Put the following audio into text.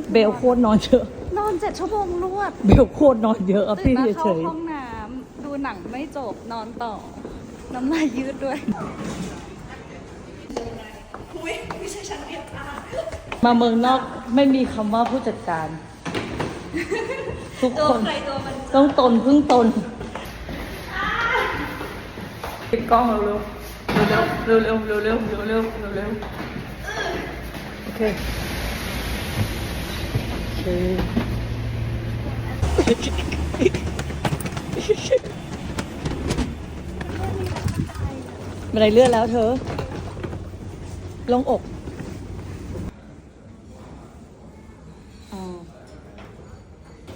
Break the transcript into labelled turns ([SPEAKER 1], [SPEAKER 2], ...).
[SPEAKER 1] เบลโคตรนอนเยอะ
[SPEAKER 2] นอน7 ชั่วโมงรวด
[SPEAKER 1] เบลโคตรนอนเยอะอะ
[SPEAKER 2] ตื่
[SPEAKER 1] พี่
[SPEAKER 2] นมา
[SPEAKER 1] เฉ
[SPEAKER 2] เข้าย ห้องน้ำดูหนังไม่จบนอนต่อ น้ำลายยืดด้วย
[SPEAKER 1] ๆมาเมืองนอกไม่มีคำว่าผู้จัดการ ทุกคนต้องตนพึ่งตนปิดกล้องเร็วๆเร็วๆเร็วๆเร็วๆเร็วๆโอเคบันไดเลื่อนแล้วเธอลงอก